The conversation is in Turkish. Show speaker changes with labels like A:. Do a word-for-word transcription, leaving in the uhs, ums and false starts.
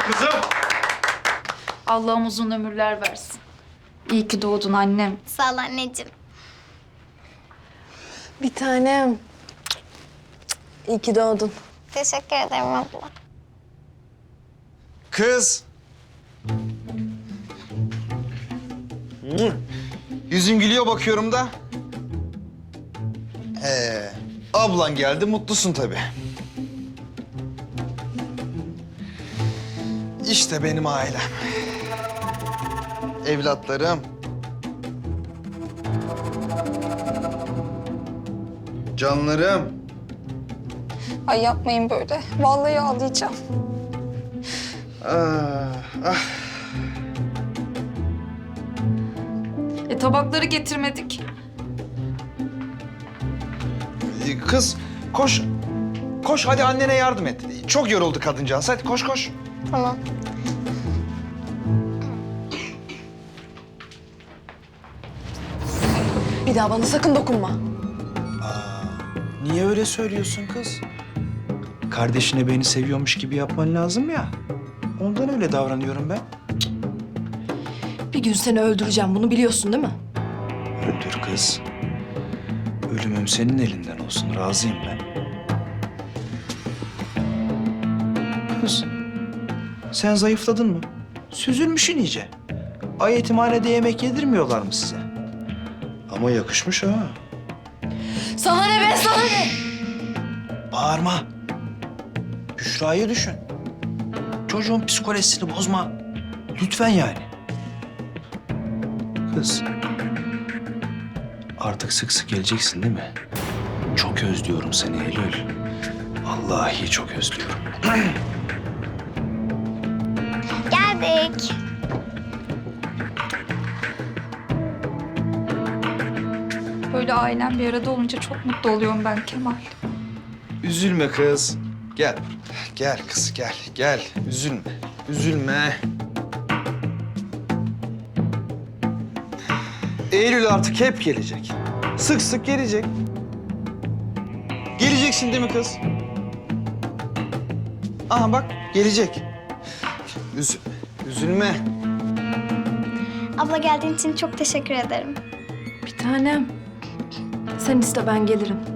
A: Kızım.
B: Allah'ım uzun ömürler versin. İyi ki doğdun annem.
C: Sağ ol anneciğim.
D: Bir tanem. İyi ki doğdun.
C: Teşekkür ederim abla.
A: Kız. Hı. Yüzün gülüyor bakıyorum da. Ee, ablan geldi, mutlusun tabii. İşte benim ailem. Evlatlarım. Canlarım.
D: Ay yapmayın böyle. Vallahi ağlayacağım.
A: Ah, ah.
B: E tabakları getirmedik.
A: Ee, Kız, koş. Koş, hadi annene yardım et. Çok yoruldu kadıncağız. Hadi koş, koş.
C: Tamam.
D: Bir daha bana sakın dokunma.
E: Niye öyle söylüyorsun kız? Kardeşine beni seviyormuş gibi yapman lazım ya. Ondan öyle davranıyorum ben.
D: Bir gün seni öldüreceğim. Bunu biliyorsun değil mi?
E: Öldür kız. Ölümüm senin elinden olsun. Razıyım ben. Kız, sen zayıfladın mı? Süzülmüşsün iyice. Ay yetimhanede yemek yedirmiyorlar mı size? Ama yakışmış ha.
D: Sana ne be, sana ne?
E: Bağırma. Büşra'yı düşün. Çocuğun psikolojisini bozma. Lütfen yani. Kız. Artık sık sık geleceksin değil mi? Çok özlüyorum seni Eylül. Vallahi çok özlüyorum.
C: Geldik.
B: Böyle ailem bir arada olunca çok mutlu oluyorum ben Kemal.
A: Üzülme kız. Gel. Gel kız, gel. Gel. Üzülme. Üzülme. Eylül artık hep gelecek. Sık sık gelecek. Geleceksin değil mi kız? Aha bak, gelecek. Üzülme. Üzülme.
C: Abla geldiğin için çok teşekkür ederim.
D: Bir tanem. Sen iste, ben gelirim.